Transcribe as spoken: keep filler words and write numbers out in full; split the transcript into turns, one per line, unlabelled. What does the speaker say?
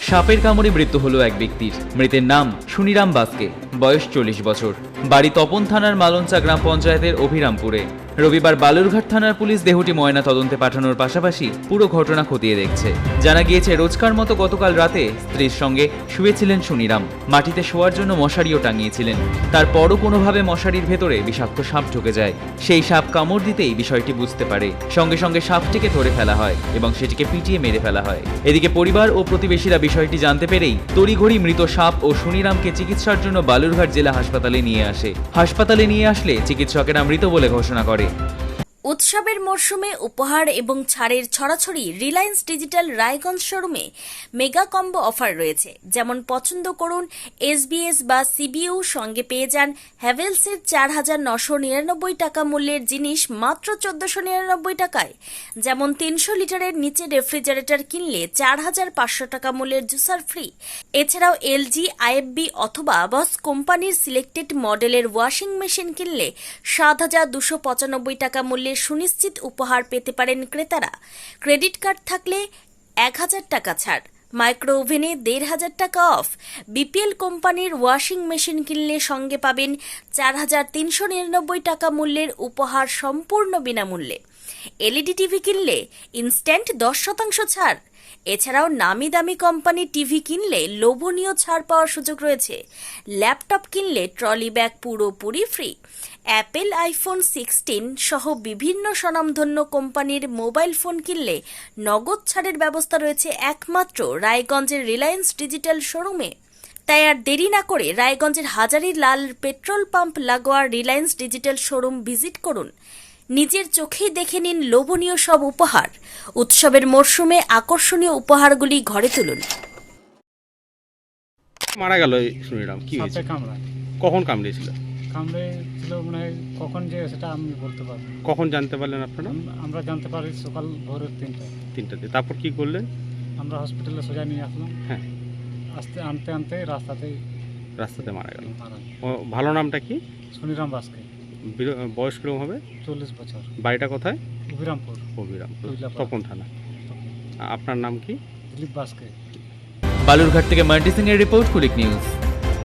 সাপের কামড়ে মৃত্যু হলো এক ব্যক্তির। মৃতের নাম সুনিরাম বাস্কে, বয়স চল্লিশ বছর, বাড়ি তপন থানার মালঞ্চা গ্রাম পঞ্চায়েতের অভিরামপুরে। রবিবার বালুরঘাট থানার পুলিশ দেহটি ময়না তদন্তে পাঠানোর পাশাপাশি পুরো ঘটনা খতিয়ে দেখছে। জানা গিয়েছে, রোজকার মতো গতকাল রাতে স্ত্রীর সঙ্গে শুয়েছিলেন সুনিরাম। মাটিতে শোয়ার জন্য মশারিও টাঙিয়েছিলেন। তারপরও কোনোভাবে মশারির ভেতরে বিষাক্ত সাপ ঢুকে যায়। সেই সাপ কামড় দিতেই বিষয়টি বুঝতে পারে। সঙ্গে সঙ্গে সাপটিকে ধরে ফেলা হয় এবং সেটিকে পিটিয়ে মেরে ফেলা হয়। এদিকে পরিবার ও প্রতিবেশীরা বিষয়টি জানতে পেরেই তড়িঘড়ি মৃত সাপ ও সুনিরামকে চিকিৎসার জন্য বালুরঘাট জেলা হাসপাতালে নিয়ে আসে। হাসপাতালে নিয়ে আসলে চিকিৎসকেরা মৃত বলে ঘোষণা করে।
উৎসবের মরশুমে উপহার এবং ছাড়ের ছড়াছড়ি রিলায়েন্স ডিজিটাল রায়গঞ্জ শোরুমে মেগা কম্বো অফার রয়েছে। যেমন পছন্দ করুন এসবিএস বা সিবিইউ, সঙ্গে পেয়ে যান হ্যাভেলসের চার হাজার নশো নিরানব্বই টাকা মূল্যের জিনিস মাত্র চোদ্দশো নিরানব্বই টাকায়। যেমন তিনশো লিটারের নিচে রেফ্রিজারেটর কিনলে চার হাজার পাঁচশো টাকা মূল্যের জুসার ফ্রি। এছাড়াও এলজি, আইএফবি অথবা বস কোম্পানির সিলেক্টেড মডেলের ওয়াশিং মেশিন কিনলে সাত হাজার দুশো পঁচানব্বই টাকা মূল্যের সুনিশ্চিত উপহার পেতে পারেন ক্রেতারা। ক্রেডিট কার্ড থাকলে এক হাজার টাকা ছাড়, মাইক্রো ওভেনে দেড় হাজার টাকা অফ। বিপিএল কোম্পানির ওয়াশিং মেশিন কিনলে সঙ্গে পাবেন চার হাজার তিনশো নিরানব্বই টাকা মূল্যের উপহার সম্পূর্ণ বিনামূল্যে। এলইডি টিভি কিনলে ইনস্ট্যান্ট দশ শতাংশ ছাড়। এছাড়াও নামি দামি কোম্পানি টিভি কিনলে লোভনীয় ছাড় পাওয়ার সুযোগ রয়েছে। ল্যাপটপ কিনলে ট্রলি ব্যাগ পুরোপুরি ফ্রি। অ্যাপেল আইফোন সিক্সটিন সহ বিভিন্ন স্বনামধন্য কোম্পানির মোবাইল ফোন কিনলে নগদ ছাড়ের ব্যবস্থা রয়েছে একমাত্র রায়গঞ্জের রিলায়েন্স ডিজিটাল শোরুমে। তাই আর দেরি না করে রায়গঞ্জের হাজারি লাল পেট্রোল পাম্প লাগোয়া রিলায়েন্স ডিজিটাল শোরুম ভিজিট করুন। নিজের চোখেই দেখে নিন লোভনীয় সব উপহার। উৎসবের মরশুমে আকর্ষণীয় উপহারগুলি ঘরে তুলুন।
মারা গেল সুনিরাম, কি হয়েছে?
কামড়ায়।
কখন কামড়িয়েছিল?
কামড়েছিল মানে কখন যে সেটা আমি বলতে পারবো না।
কখন জানতে পারলেন আপনারা?
আম- আমরা জানতে পারি সকাল ভোরের তিনটায়।
তিনটাতে। তারপর কি করলেন?
আমরা হসপিটালে সোজা নিয়ে আসলাম।
হ্যাঁ,
আসতে আনতে আনতে রাস্তাতেই
রাস্তাতে মারা গেল।
মারা গেল।
ও ভালো নামটা কি?
সুনিরাম বাস্কে,
বির- বয়স কিরকম হবে?
চল্লিশ বছর,
বাড়িটা কোথায়?
অভিরামপুর,
অভিরাম,
কৈলাপাড়া।
তপন থানা। আপনার নাম কি?
দিলীপ বাস্কে।
বালুরঘাট থেকে মান্টি সিং এর রিপোর্ট, কুলিক নিউজ।